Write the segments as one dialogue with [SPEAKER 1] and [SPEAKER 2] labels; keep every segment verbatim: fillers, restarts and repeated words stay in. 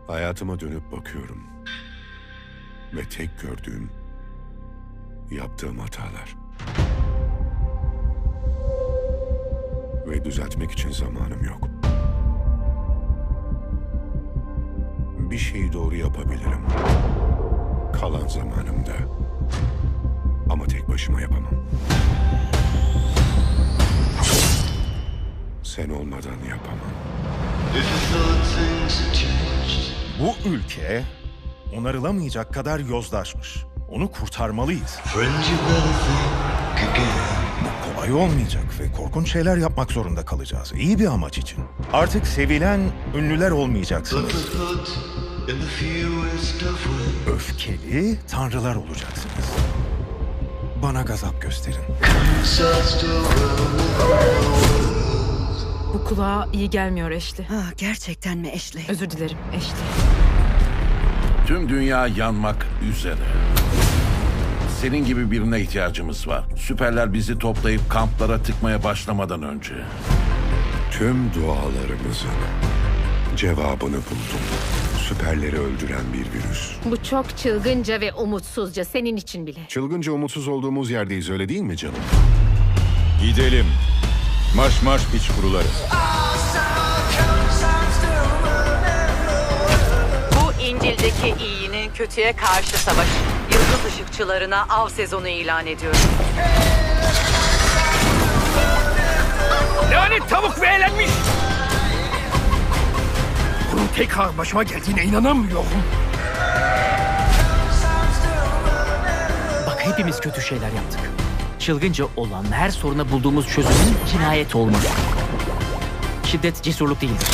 [SPEAKER 1] Hayatıma dönüp bakıyorum. Ve tek gördüğüm, yaptığım hatalar. Ve düzeltmek için zamanım yok. Bir şeyi doğru yapabilirim. Kalan zamanımda. Ama tek başıma yapamam. Sen olmadan yapamam.
[SPEAKER 2] Bu ülke onarılamayacak kadar yozlaşmış. Onu kurtarmalıyız. Bu kolay olmayacak ve korkunç şeyler yapmak zorunda kalacağız. İyi bir amaç için. Artık sevilen ünlüler olmayacaksınız. Öfkeli tanrılar olacaksınız. Bana gazap gösterin.
[SPEAKER 3] Bu kulağa iyi gelmiyor Ashley.
[SPEAKER 4] Ah, gerçekten mi Ashley?
[SPEAKER 3] Özür dilerim Ashley.
[SPEAKER 5] Tüm dünya yanmak üzere. Senin gibi birine ihtiyacımız var. Süperler bizi toplayıp kamplara tıkmaya başlamadan önce.
[SPEAKER 1] Tüm dualarımızın cevabını buldum. Süperleri öldüren bir virüs.
[SPEAKER 6] Bu çok çılgınca ve umutsuzca senin için bile.
[SPEAKER 1] Çılgınca umutsuz olduğumuz yerdeyiz, öyle değil mi canım?
[SPEAKER 7] Gidelim. Marş marş piç kuruları.
[SPEAKER 8] Bu İncil'deki iyinin kötüye karşı savaşı. Yıldız ışıkçılarına av sezonu ilan ediyorum.
[SPEAKER 9] Lanet tavuk ve eğlenmiş! Bunun tekrar başıma geldiğine inanamıyorum.
[SPEAKER 10] Bak hepimiz kötü şeyler yaptık. Çılgınca olan her soruna bulduğumuz çözümün cinayet olması. Şiddet cesurluk değildir.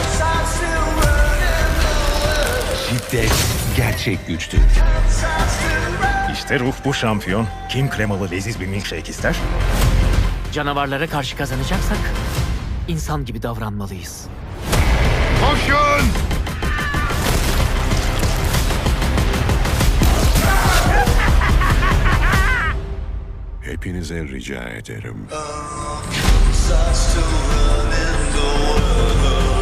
[SPEAKER 7] Şiddet gerçek güçtür.
[SPEAKER 2] İşte ruh bu şampiyon. Kim kremalı leziz bir milkshake ister?
[SPEAKER 10] Canavarlara karşı kazanacaksak insan gibi davranmalıyız.
[SPEAKER 7] Koşun!
[SPEAKER 1] Hepinize rica ederim.